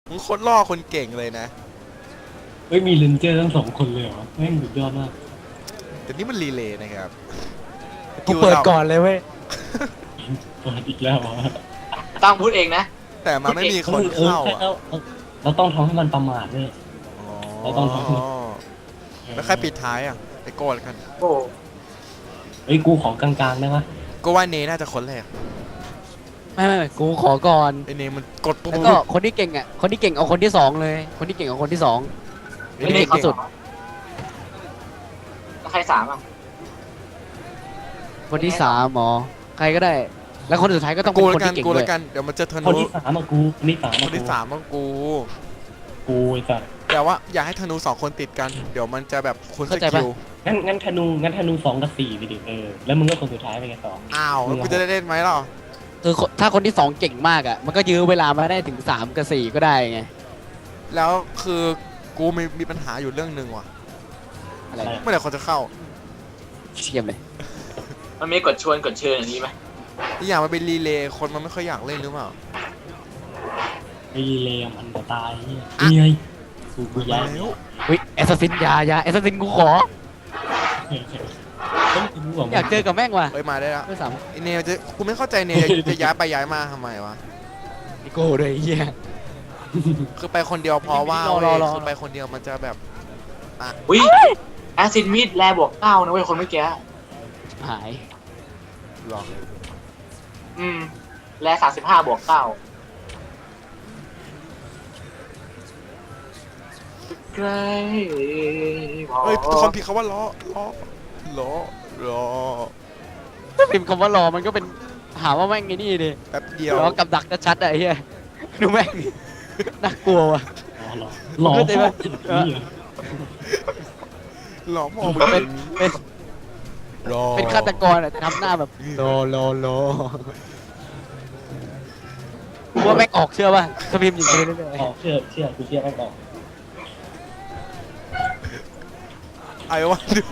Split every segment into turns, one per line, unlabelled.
มึงโคตรล่อคนเก่งเลยนะ
เฮ้ยมีเลนเจอร์ทั้งสองคนเลยเหรอแม่งสุดยอดมาก
แต่นี่มันรีเลย์นะครับ
กูเปิดก่อนเลยเว้ย
เปิดอีกแล้วเหรอ
ต้องพูดเองนะ
แต่มันไม่มีคนเข้าอ่ะ
เราต้องทำให้มันประมาทด้วย เราต้องทำ
แล้วใครปิดท้ายอ่ะไอโก้แล้วกัน
โอ้
เฮ้ยกูของกลางๆได้ปะ
ก็ว่าเนน่าจะคนแรก
ไม่กูขอก่อน
ไอเนมันกดปุ๊บ
แล้วก็คนที่เก่งอ่ะคนที่เก่งเอาคนที่สองเลย คนที่เก่งเอาคนที่สอง
ไอ
ไม่
เน
ได้
เก่ง
สุด
แล้วใครสามอ่ะ
คนที่สามหมอใครก็ได้ แล้วคนสุดท้ายก็ต้องเป็
กู
น
แล้
คน
วกัน
ที่เก่ง
กู
ด้
แล้ว วย กันเดี๋ยวมันจะธ
คน
นู
ที่สามอะกูคนที่สาม
ค
อะ
นที่สามต้องกู
กูไอ้สัส
แต่ว่าอย่าให้ธนู2คนติดกันเดี๋ยวมันจะแบบคุณสกิล
งั้นธนู2 กับ 4ไปดิแล้วมึงก็คนสุดท้ายไปไงสอง
อ้าวแล้วกูจะได้เล่นไหมล่ะ
คือถ้าคนที่สองเก่งมากอ่ะมันก็ยื้อเวลามาได้ถึง3 กับ 4ก็ได้ไง
แล้วคือกูมีปัญหาอยู่เรื่องหนึ่งว่ะ
อะไร
เมื่อไหร่คนจะเข้า
เชี่ยมเลย
มันมีกดชวนกดเชิญอย่างนี้ไหม
อีกอย่างมันเป็นรีเลย์คนมันไม่ค่อยอยากเล่นหรือเปล่า
ไอ้เลมอันตายนี่ไงกูย้าย
แล้ว
เฮ้ยแอสซัสซินยาแอสซัสซินกูขอ
ต้องรู้ว่า
อยากเจอกับแม่งว่ะ
เฮ้ยมาได้แล้ว
ไม่สาม
ไอเนจะกูไม่เข้าใจเนจะย้ายไปย้ายมาทำไมวะ
นิโก้เลยไอ้เฮีย
คือไปคนเดียวเพราะว่า
รอ
เว้ย
รอ
คือไปคนเดียวมันจะแบบ
อุ้ยแอซิดมีดแลบวก9นะเว้ยคนเมื่อกี้
หาย
หรอ
แล35บวก9ใกล้พอ
เฮ้ยคอมพิวเขาว่าล้อล้อ
ถ้าพิมพ์คำว่ารอมันก็เป็นหาว่าแม่งไงนี่ดิ
แป๊บเดียว
รอกับดักชัดๆอะไอ้เฮียดูแม่งน่ากลัวว่ะ
หล่อ
เข้าใจไหม
ล้อมอง
เป็นเป็น
รอ
เป็นฆาตกรอะทำหน้าแบบโลกูว่าแม่งออกเชื่อป่ะถ้าพิมพ์อย่างนี้เรื่อย
ออกเชื่อกูเชื่อไม่ออก
ไอ้วันดู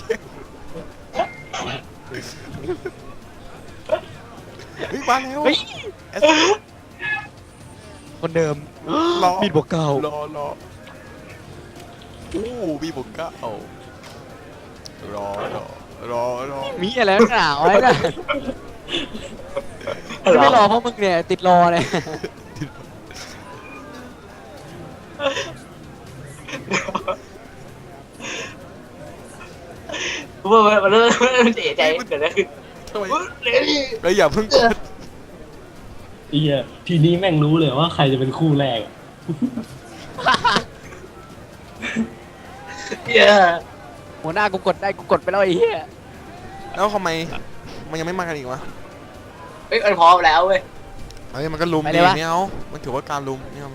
เฮ้ยมาแล้ว
ๆเฮ้ย
เอส
คนเดิม
ล้อ
มีดบวกเก่า
ล้ออู้มีบวกเก้ารอ
มีอะไรนักหนาไว้น่ะไม่รอเพราะมึงเนี่ยติดรอเนี่ย
กูว่ามันเริ่มเสียใจเกิดอะไรขึ้น
ทำไม
เร็ว
เฮ้ยอย่าเพิ่งกด
ไอ้เหี้ยทีนี้แม่งรู้เลยว่าใครจะเป็นคู่แรกอะ
เหี้ย
หัวหน้ากูกดได้กูกดไปแล้วไอ้เหี้ย
แล้วทำไมมันยังไม่มากันอีกวะ
เฮ้ยมันพร้อมแล้วเว้ย
เฮ้ยมันก็ลุมดีไม่เอามันถือว่าการลุมไม่เอา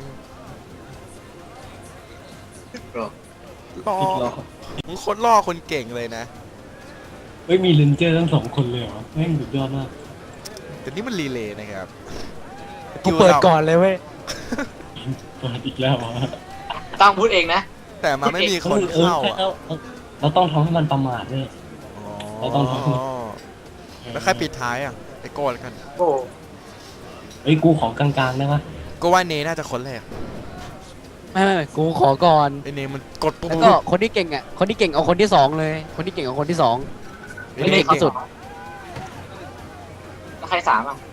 ล่อ
อีกแล้ว
มึงโคตรล่อคนเก่งเลยนะ
เฮ้ยมีเลนเจอร์ทั้งสองคนเลยเหรอแม่งสุดยอดมาก
แต่นี่มันรีเลย์นะครับ
กูเปิดก่อนเลยเว้ย
เปิดอีกแล้วเหรอ
ต้องพูดเองนะ
แต่มันไม่มีคนเข้าอ่ะ
เราต้องทำให้มันประมาทด้วย เราต้องทำ
แล้วใครปิดท้ายอ่ะไอโก้แล้วกัน
โอ้
เฮ้ยกูของกลางๆได้ปะ
ก็ว่าเนน่าจะคนแรก
ไม่กูขอก่อน
ไอเนมันกดปุ๊บ
แล้วก็คนที่เก่งอ่ะคนที่เก่งเอาคนที่สองเลย คนที่เก่งเอาคนที่สอง ไม่ได้สุด
แล้วใครสามอ่ะ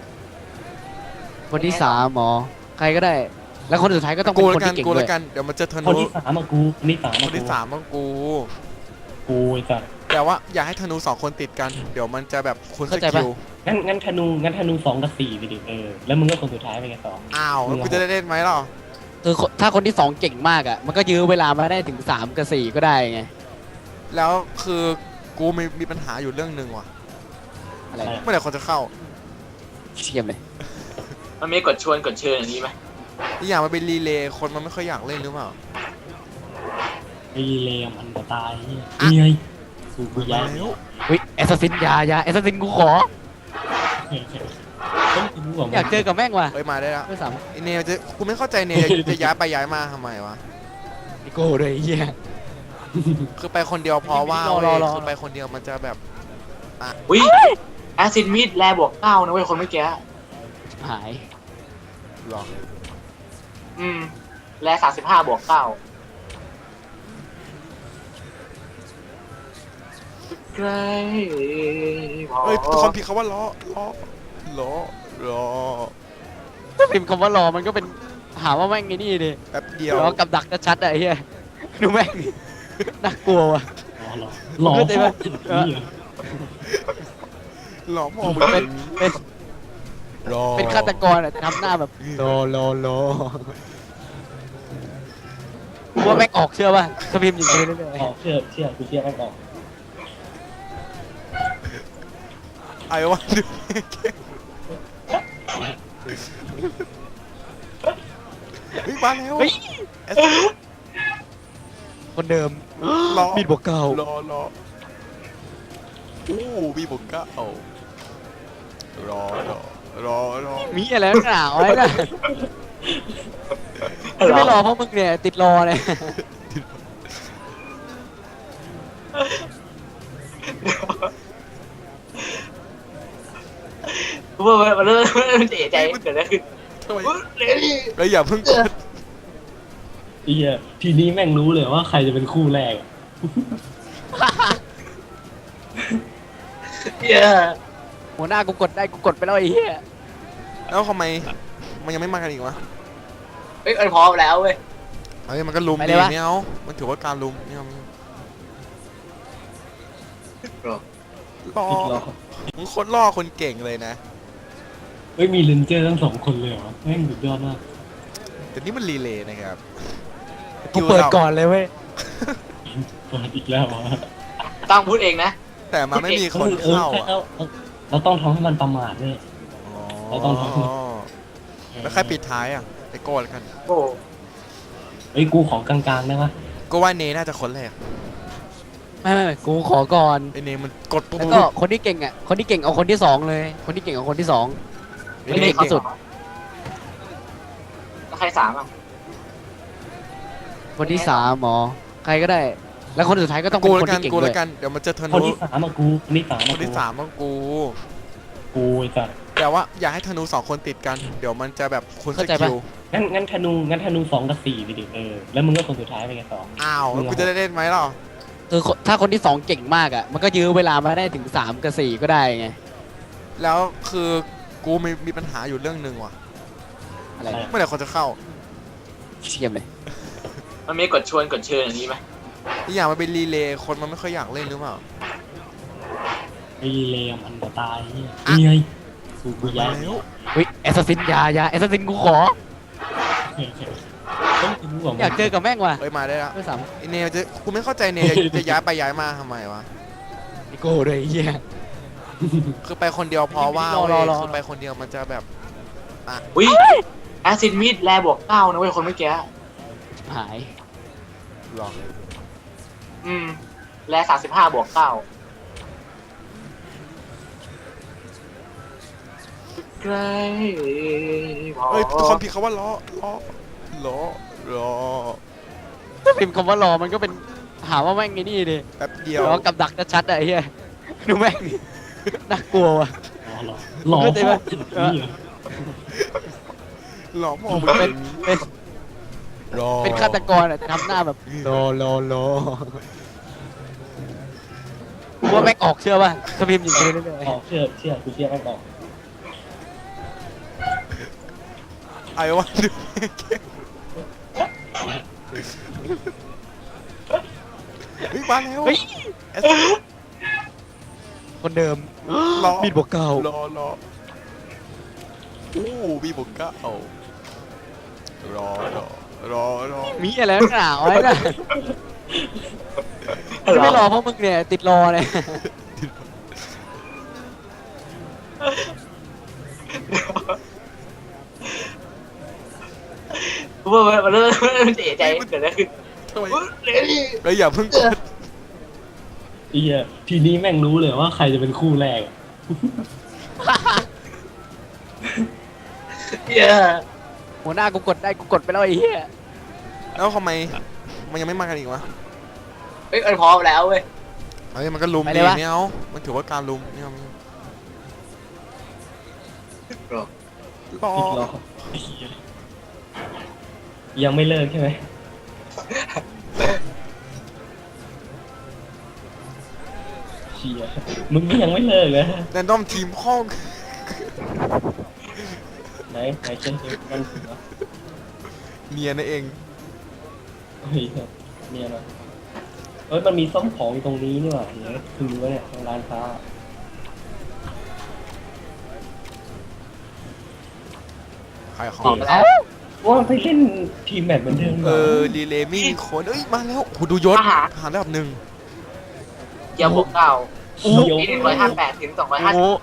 คนที่สามหมอใครก็ได้ แล้วคนสุดท้ายก็ต้องเป็
กู
น
แล้
คน
วกัน
ที่เก่ง
กู
ด้
แล้ว วย กันเดี๋ยวมันจะธ
คน
นู
ที่สามอะกูคนที่สาม
ค
อะ
นที่สามต้องกู
กูไอ้สัส
แต่ว่าอย่าให้ธนู2คนติดกันเดี๋ยวมันจะแบบคุณสกิล
งั้นธนู2 กับ 4ไปดิแล้วมึงก็คนสุดท้ายไปไงสอง
อ้าวแล้วกูจะได้เล่นไหมล่ะ
คือถ้าคนที่สองเก่งมากอ่ะมันก็ยื้อเวลามาได้ถึง3 กับ 4ก็ได้ไง
แล้วคือกูมีปัญหาอยู่เรื่องหนึ่งว่ะ
อะไร
เมื่อไหร่คนจะเข้า
เชี่ยมเลย
มันมีกดชวนกดเชิญอย่างนี้ไหม
อีกอย่างมันเป็นรีเลย์คนมันไม่ค่อยอยากเล่นหรือเปล่า
ไอ้เลมอันตายนี่ไงกูย้าย
แล้ว
เฮ้ยแอสซัสซินยาแอสซัสซินกูขอ
ต้องรู้ว่า
อยากเจอกับแม่งว่ะ
เฮ้ยมาได้แล้ว
ไม่สาม
ไอเนจะกูไม่เข้าใจเนจะย้ายไปย้ายมาทำไมวะ
นิโก้เลยไอ้เฮีย
คือไปคนเดียวเพราะว่า
รอ
เว้ย
รอ
คือไปคนเดียวมันจะแบบ
อุ้ยแอซิดมีดแลบวก9นะเว้ยคนเมื่อกี้
หาย
หรอ
แร่35+9ใกล้พอ
เฮ้ยความผิดเขาว่าล้อล้อล้อ
พิมพ์คำว่ารอมันก็เป็นหาว่าแม่งไอ้นี่ดิ
แป๊บเดียว
ล้อกับดักชัดๆอะไอ้เหี้ยดูแม่งน่ากลัวว่ะ
อ๋อเหรอหล่อ
เข้าใจ
พ่
ไหม
อถึงนี่เหรอ
ล้อพ่อมึง
เป็นเป็น
ล้อ
เป็นฆาตกรอะทำหน้าแบบโลกูว่าแม่งออกเชื่อป่ะถ้าพิมพ์อย่างนี้เรื่อย
ออกเชื่อกูเชื่อแม่งออก
ไอ้วันดูเฮ้ยมาแล้ว
ๆเฮ้ย
เอส
คนเดิม
ล้อ
มีดบวกเก่า
ล้ออู้มีบวกเก้าล้อ
มีอะไรนักหนาวไว้น่ะไม่รอเพราะมึงเนี่ยติดรอเนี่ย
กูว่ามันเริ่มเสียใจเกิดอะไรขึ้น
ทำไม
เร็วดิ
เฮ้ยอย่าเพิ่งกด
ไอ้เหี้ยทีนี้แม่งรู้เลยว่าใครจะเป็นคู่แรกอะ
เหี้ย
หัวหน้ากูกดได้กูกดไปแล้วไอ้เหี้ย
แล้วทำไมมันยังไม่มากันอีกวะ
เฮ้ยมันพร้อมแล้วเว้ย
เฮ้ยมันก็ลุมดีไม่เอามันถือว่าการลุมไม่เอาล่อ
อีกรอบ
มึงโคตรล่อคนเก่งเลยนะ
เฮ้ยมีเลนเจอร์ทั้งสองคนเลยเหรอแม่งสุดยอดมาก
แต่นี่มันรีเลย์นะครับ
กูเปิดก่อนเลยเว้ย
เปิดอีกแล้วเหรอ
ต้องพูดเองนะ
แต่มันไม่มีคนเข้าอ่ะ
เราต้องทำให้มันประมาทด้วย เราต้องท
แล้วใครปิดท้ายอ่ะไอโก้แล้วกัน
โอ้
เฮ้ยกูของกลางๆได้ปะ
ก็ว่าเนน่าจะคนแรก
ไม่กูขอก่อน
ไอเนมันกดปุ๊บ
แล้วก็คนที่เก่งอ่ะคนที่เก่งเอาคนที่สองเลยคนที่เก่งเอาคนที่สอง
ไอ้
ไม่
เน
เก่งที่สุด
แล้วใคร3อ่ะ
คนที่สามหมอใครก็ได้ แล้วคนสุดท้ายก็ต้องเป็
กู
น
แล้
คน
วกัน
ที่เก่ง
กู
ด้
แล้ว
วย
กันเดี๋ยวมันจะธ
คน
นู
ที่สามอะกูคนที่สาม
ค
อะ
นที่สามต้องกู
กูไอ้สัส
แต่ว่าอย่าให้ธนู2คนติดกัน เดี๋ยวมันจะแบบคุณสกิล
งั้นธนู2 กับ 4ไปดิแล้วมึงก็คนสุดท้ายไปไงต่อ
อ้าวแล้วกูจะได้เล่นไหมล่ะ
คือถ้าคนที่สองเก่งมากอ่ะมันก็ยื้อเวลามาได้ถึง3 กับ 4ก็ได้ไง
แล้วคือกูมีปัญหาอยู่เรื่องหนึ่งว่ะ
อะไร
เมื่อไหร่คนจะเข้า
เชียมเลย
มันมีกดชวนกดเชิญอย่างนี้ไหม
อีกอย่างมันเป็นรีเลย์คนมันไม่ค่อยอยากเล่นหรือเปล่า
ไอ้เลมอันตรายนี่ไงกูย้าย
แล้ว
อุ้ยแอสซัสซินยาแอสซัสซินกูขอ
ต้องรู้ว่า
อยากเจอกับแม่งว่ะ
เฮ้ยมาได้แล้ว
ด้วยซ้
ไอเนจะกูไม่เข้าใจเนจะย้ายไปย้ายมาทำไมวะ
ำนิโก้ด้วยไอ้เหี้ย
คือไปคนเดียวเพราะว่า
รอ
เว้ย
รอ
คือไปคนเดียวมันจะแบบ
อุ้ยแอซิดมีดแร่+9นะเว้ยคนเมื่อกี้
หาย
หรอ
แร่35+9ใกล้พอ
เฮ้ยความผิดเขาว่าล้อล้อ
พิมพ์คำว่ารอมันก็เป็นหาว่าแม่งไอ้นี่ดิ
แป๊บเดียว
ล้อกับดักชัดๆอะไอ้เหี้ยดูแม่งน่ากลัวว่ะ
อ๋อเหรอหล่อ
เข้าใจไหม
พ่อถึงนี่เหรอ
หล่อพ่อมึง
เป็นเป็น
รอ
เป็นฆาตกรอะทำหน้าแบบโลกูว่าแม่งออกเชื่อป่ะถ้าพิมพ์อย่างนี้เรื่อย
ออกเชื่อกูเชื่อแม่งออก
ไอ้วันดูเฮ้ยมาแล้ว
ๆเฮ้ย
เอส
คนเดิม
ล้อ
มีดบวกเก่า
ล้ออู้มีบวกเก้าล้อ
มีอะไรนักหนาวไว้น่ะไม่รอเพราะมึงเนี่ยติดรอเนี่ย
กูว่ามันเริ่มเสียใจเกิดอะไรขึ้น
ทำไม
เร็วดิ
เฮ้ยอย่าเพิ่งกด
ไอ้เหี้ยทีนี้แม่งรู้เลยว่าใครจะเป็นคู่แรกอะ
เหี้ย
หัวหน้ากูกดได้กูกดไปแล้วไอ้เหี้ย
แล้วทำไมมันยังไม่มากันอีกวะ
เฮ้ยมันพร้อมแล้วเว้ย
เฮ้ยมันก็ลุมดีไม่เอามันถือว่าการลุมไม่เอาล้อ
อีกรอบไอ้เหี้ยยังไม่เลิกใช่ไหมเชียมึงก็ยังไม่เลิกนะ
แรนดอมทีมห้อง
ไหนเช่นมันถึงวะ
เนียนั่นเอง
เฮ้ยเนี่ยนะมันมีซ่อมของอยู่ตรงนี้นี่หว่าเดี๋ยวคือรู้ว่าเนี่ยตรงร้านค้า
ใครของ
ออกไปแล้ว
ว่าไปเล่นทีมแมตช์เหมือนเดิมเหรอ
รีเลย์มิ่งคนเอ้ยมาแล้วโหดูยศ
ทหาร
ทหารระดับหนึ่ง
เกียร์บวกเก้า
เดี๋ยว
ปี158ถึง
โอ้โห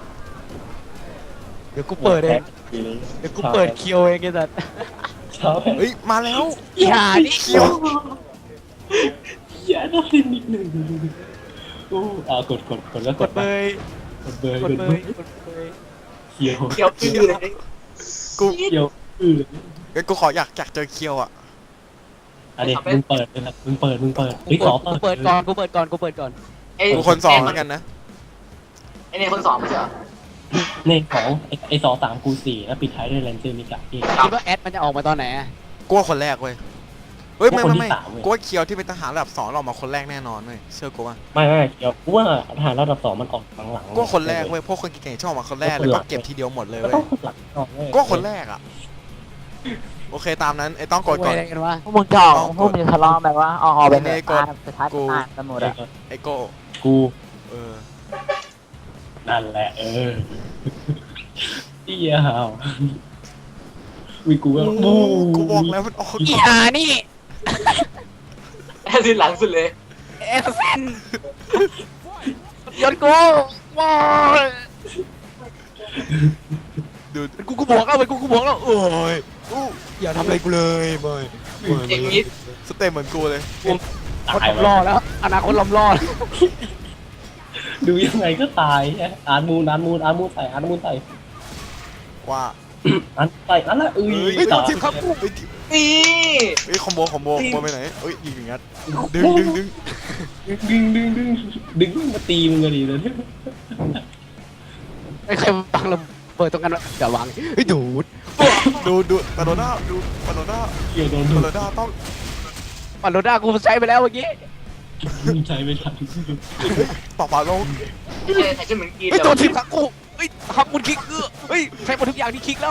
250
เดี๋ยวกูเปิดเองเดี๋ยวกูเปิดเคียวเองไอ้สัส
เช้า
เฮ้ยมาแล้ว
อย่านี่
เขียว
อย่าต้องเล่นนิดหนึ่งโอ้กดแล้ว
กดเบย
กดเบย
กดเบยกดเบย
เขียว
เกียวอื้อเลย
กู
เขียว
เอ้ยกูขออยากเจอเคียวอ่ะ
อันนี้มึงเปิดเลยนะมึงเปิดเฮ้ยขอ
กูเปิดก่อนกูเปิดก่อน
ไอ้
กูคนสองแล้วกันนะ
ไอ้เนี่ยคนสองไม่ใช่เหรอ
ในของไอ้2 3กู4แล้วปิดท้ายด้วยแรนเจอร์มิกะอีก
คิดว่าแอดมันจะออกมาตอนไหนอะ
กูว่าคนแรกเว้ยเฮ้ยไม่
กูว่าคนที่
ไม่
สามเว้ย
กูว่าเคียวที่เป็นทหารระดับ 2เราออกมาคนแรกแน่นอนเว้ยเชื่อกูว่า
ไม่เดี๋ยวกูว่าทหารระดับ2มันออกหลังๆ
กูว่าคนแรกเว้ยพวกคนเก่งๆชอบออกมาคนแรกเลยก็เก็บทีเดียวหมดเลย
ก็
เว้ย
ต้องคนหลังก่อนเว้ย
กูว่าคนแรกอ่ะโอเคตามนั้นไอ้ต้องกดก่อน
อะไรกันวะ
พวกมึงจะออกพวกมึงจะทะเลาะแบบว่าออกไปเถ
เน
อะ
กด
สุดท้าย
กู
อ่านกันหมดอะ
ไอ้โก้
กู
เออ
นั่นแหละเอี้ยหาววิกูว่า
กูบอกแล้วมันออก
อี
ก่อน
หานี่
แอซินหลังสุดเลย
เอสเซนยศกูว้าย
ดู
กูบอกแล้วกูบอกแล้วโอ้ย
อู้
อย่าทำอะไรกูเลยบอย
อย่างนี้
สเต็ปเหมือนกูเลย
คน
ตาย
ล้อแล้วอนาคตล้อมล้อ
ดูยังไงก็ตายอ่านมูนใส่
ว่า
อันใส่นั่นแหละ
เฮ้ย
ต่อ
ทีมครับกูเฮ้ย
นี่
เฮ้ยคอมโบไปไหนเฮ้ยยิงอย่างงั้นดึง
ดึงมาตีมึงกันดีเลย
ไอ้ใครวางระเบิดตรงกันวะอย่าวางเฮ้ยดูด
ดูปาโดน่าดูปาโดน่า
เกี่ยวโดน
ปาโดน่าต้อง
ปันโรด้ากูใช้ไปแล้วเมื่อกี้
ใช้ไม่ทัน
ต่อปาโล
ใส่ชุดเหมือนกิน
เฮ้ยตัวทีมขังกูเฮ้ยทำบุญคิกเฮ้ยใช้หมดทุกอย่างที่คิกแล้ว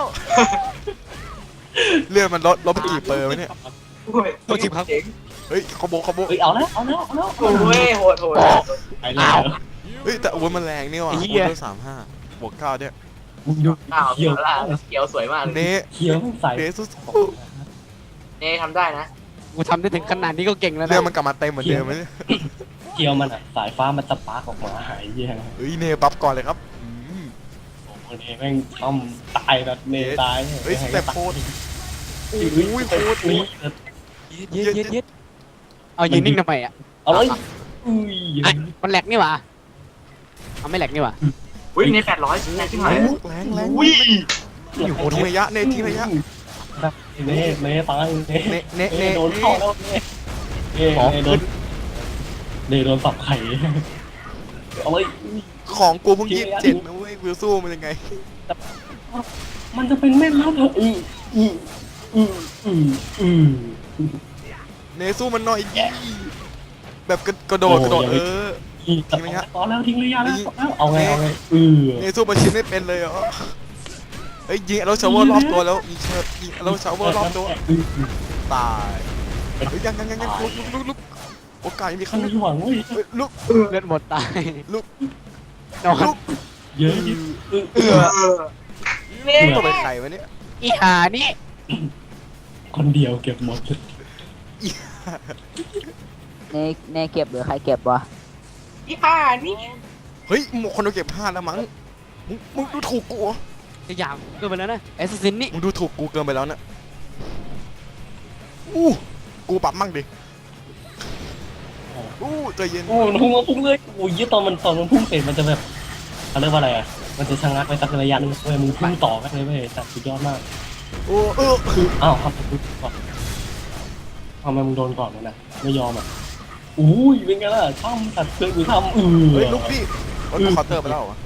เลือดมันลดไปกี่เปอร์ไหมเนี่ย
ตัวทีมครับ
เจ๋ง
เฮ้ยคอมโบ
เฮ้ยเอาแล้ว
โอ้ยโหด
ไปแล้ว
เฮ้ยแต่อาวุธมันแรงนี่ว่ะอาวุธด้วย35 บวก 9เนี่ย
มึงดู
อ้าว
เขียว
เขียวสวยมาก
เน
เขียวใส่
เนสุด
เน่ทำได้นะ
กูทำได้ถึงขนาดนี้ก็เก่งแล้ว
เลือ
นะ
ดมันกลับมาเต็มเหมือนเดิมไหมเนี่ย
เขียวมันอ่ะสายฟ้ามันสปาร์กออกมาหายเยี่ย
เฮ้ยเนปั๊บก่อนเลยครับ
โอ้โหเนแม่งต้อมตายแบบเนตาย
เฮ้ยแต่โคตร
อุ้ยโคตรนี้
เย็ดเอายืนนิ่งทำไมอ่ะ
เอาเลยอุ้ย
ไอ้มันแหลกนี่หว่าเอาไม่แหลกนี่หว่า
อุ้ยใน800แรงขึ้นมา
แรง
อุ้ย
โอ้ทิ้งระยะเนทิ้งระยะ
เนตายเนโดนเข้าแล้วเนโดนสับไข่เอาเลย
ของกูเพิ่ง27นะเว้ยกูสู้มันยังไง
มันจะเป็นแม่น้ำเหรอ
เนสู้มันหน่อยแบบกระโดด
ทิ้งระยะตอนแล้วทิ้งระยะแล้วเอาไง
เนสู้มาชิมไม่เป็นเลยเหรอเฮ้ยยิงแล้วชาวเวอร์รอบตัวแล้วยิงแล้วชาวเวอร์รอบตัวตายยังลุกโอกาสยังมีขั้น
ไม่หวังเว้ย
ลุก
เลือดหมดตาย
ลุก
นอน
เยอะ
เน่
ตัวเป็นใครวะเนี่ย
อีหานี่
คนเดียวเก็บหมด
เนเก็บหรือใครเก็บวะ
ยี่ห้านี่
เฮ้ยคนเราเก็บ5แล้วมั้งมึงดูถูกกู
จะอย่างเกินไปแล้วนะแอสซินนี่
มึงดูถูกกูเกินไปแล้วนะกูปรับมั่งดิใจเย็น
โอ้พุ่งเลยโอ้ยตอนมันพุ่งเสร็จมันจะแบบเขาเรียกว่าอะไรอ่ะมันจะชะงักไปสักระยะนึงเว้ยมึงพุ่งต่อกันเลยเว้ยแต่สุดยอดมาก อ้าวครับทำไมมึงโดนก่อนวะนะไม่ยอมอ่ะอุ้ยเป็นไงล่ะทำตัดเพื่อนกูทำ
เฮ้ยลุกดิมันเคาน์เตอร์ไปแล้วเหรอ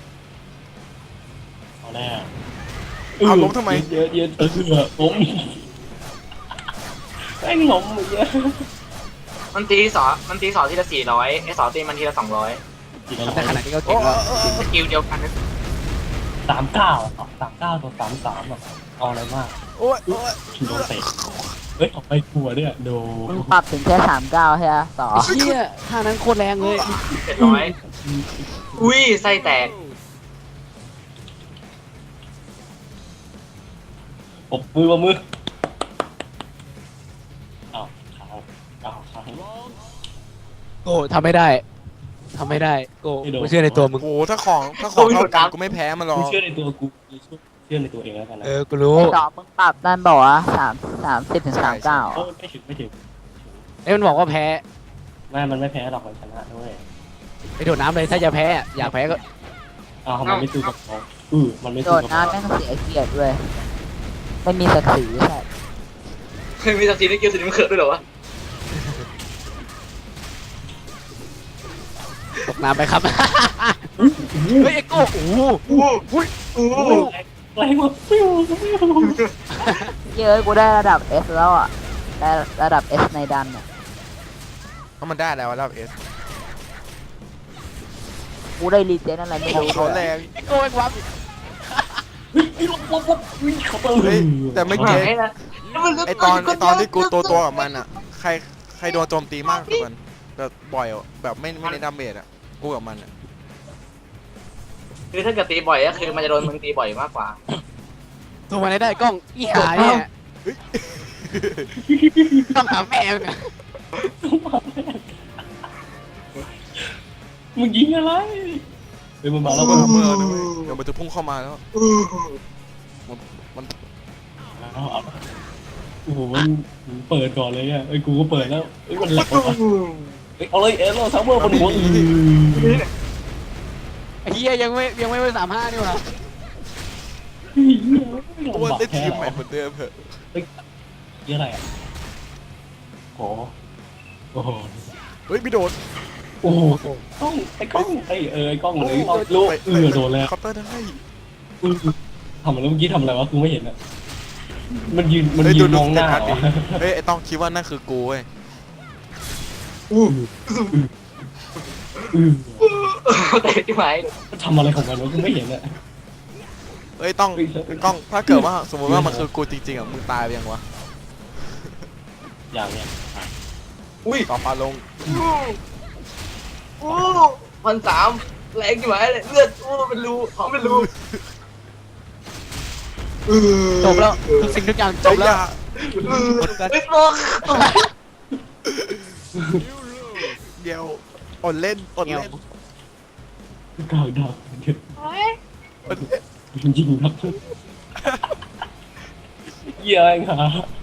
เอาแน่
เอาล้มทำไม
เยอะล้มแม่งล้มอย่างเงี้ย
มันตีสองทีละ400ไอ้สองตีมันทีละ200
ทำได้ขนาดนี้ก็
โอ้
เก่งแล้ว
สกิลเดียวกันนะ
39 ตัว33อ่ะเอาอะไรมาก
โอ้ยโอ้ย
โดนเตะเฮ้ยออกไปกลัวเนี่ยโด
มึงปรับถึงแค่39ใช่ไหมต่อ
เชี่ยท่านั้นโคตรแรงเลย
700อุ้ยไส้แตก
ปบมืออ้าวค้าง
โก้ทำไม่ได้ทำไม่ได้โก้กูเชื่อในตัวมึง
โอ้โหถ้าของเท่ากันกูไม่แพ้มันหรอก
กูเชื่อในตัวกูเชื่อในตัวเองแล้วกันนะ
กูรู้
ต่อมึงปรับนั่นบอกว่า30ถึง39
โอ้ไม่ถึง
เอ้ยมันบอกว่าแพ้
มันไม่แพ้หรอกมันชนะด้วย
ไปโดดน้ำเลยถ้าจะแพ้อะอยากแพ้ก็
อ้าวมันไม่สู้กับเขามันไม่
โด
สู้
ด
กับ
น้ำแม่งเสียเกียรติด้วยไม่มีศักดิ์ศรีใช่
เคยมีสักทีในเกมสีน้ำเขือด้วยเหรอวะ
ตกน้ำไปครับ เฮ้ยไอ้โก้โอ้โห
แรงมากฟิว
เยอะกูได้ระดับ S แล้วอ่ะได้ระดับ S ในดันอ่ะ
ถ้ามันได้แล้วแล้วเอส
กูได้รีเจนอะไรไม่
ของ
รู้
เขาแรง
ไอ้โก้ไอ้ความ
ลบเขาเติ
เฮ้ยแต่ไม่เก็ต
ให้นะ
ไอตอนที่กูตัวกับมันอ่ะใครโดนโจมตีมากกว่ากันแบบบ่อยอะแบบไม่ได้ดาเมจอ่ะกูกับมันอ่ะ
คือถ้าเกิดตีบ่อยก็คือมันจะโดนมึงตีบ่อยมากกว่า
ตัวมันได้กล้องอีหาเนี่ยต้องหาแม่มึงอะ
มึงยิงอะไรเฮ้ยมันมาแล้ว
เมื่อนะเว้ยเดี๋ยวมันจะพุ่งเข้ามาแล้ว
โอ้โหมันเปิดก่อนเลยอ่ะไอ้กูก็เปิดแล้วไอ้มันแหลกวะเอาเลยเอโร่ซัมเมอร์บนหัว
ไอ้เหี้ยยังไม่ไป35นี่หว่า
กูว่าได้ทีมใหม่เหมือนเดิมเหอะ
เยอะอะไรอ่ะโอ้โห
เฮ้ยไม่โดน
โอ้โหกล้องไอ้กล้องไอ้กล้องเลยรู้โดนแล้ว
เคาน์เตอร์ได้
ทำอะไรเมื่อกี้ทำอะไรวะกูไม่เห็นอ่ะมันยืน
เฮ้ย
มองหน้า
สเตตัสดิเฮ้ยไอต้องคิดว่านั่นคือกูเว้ย
เตะที่ไหน
ทำอะไรของมันวะกูไม่เห็นอ่ะ
เฮ้ยต้องถ้าเกิดว่าสมมติว่ามันคือกูจริงๆอ่ะมึงตายไปยังวะ
อย่างเนี้ย
อุ้ย
ต่อปลาลง
1,300แรงที่ไหนเลยเลือดเป็นรูเขาเป็นรู
จบแล้วทุกสิ่งทุกอย่างจบแล้ว
เฮ้ยโลก
เดี๋ยวอดเล่น
กาวดาวเดี๋ยวยิงครับเยี่ยงค่ะ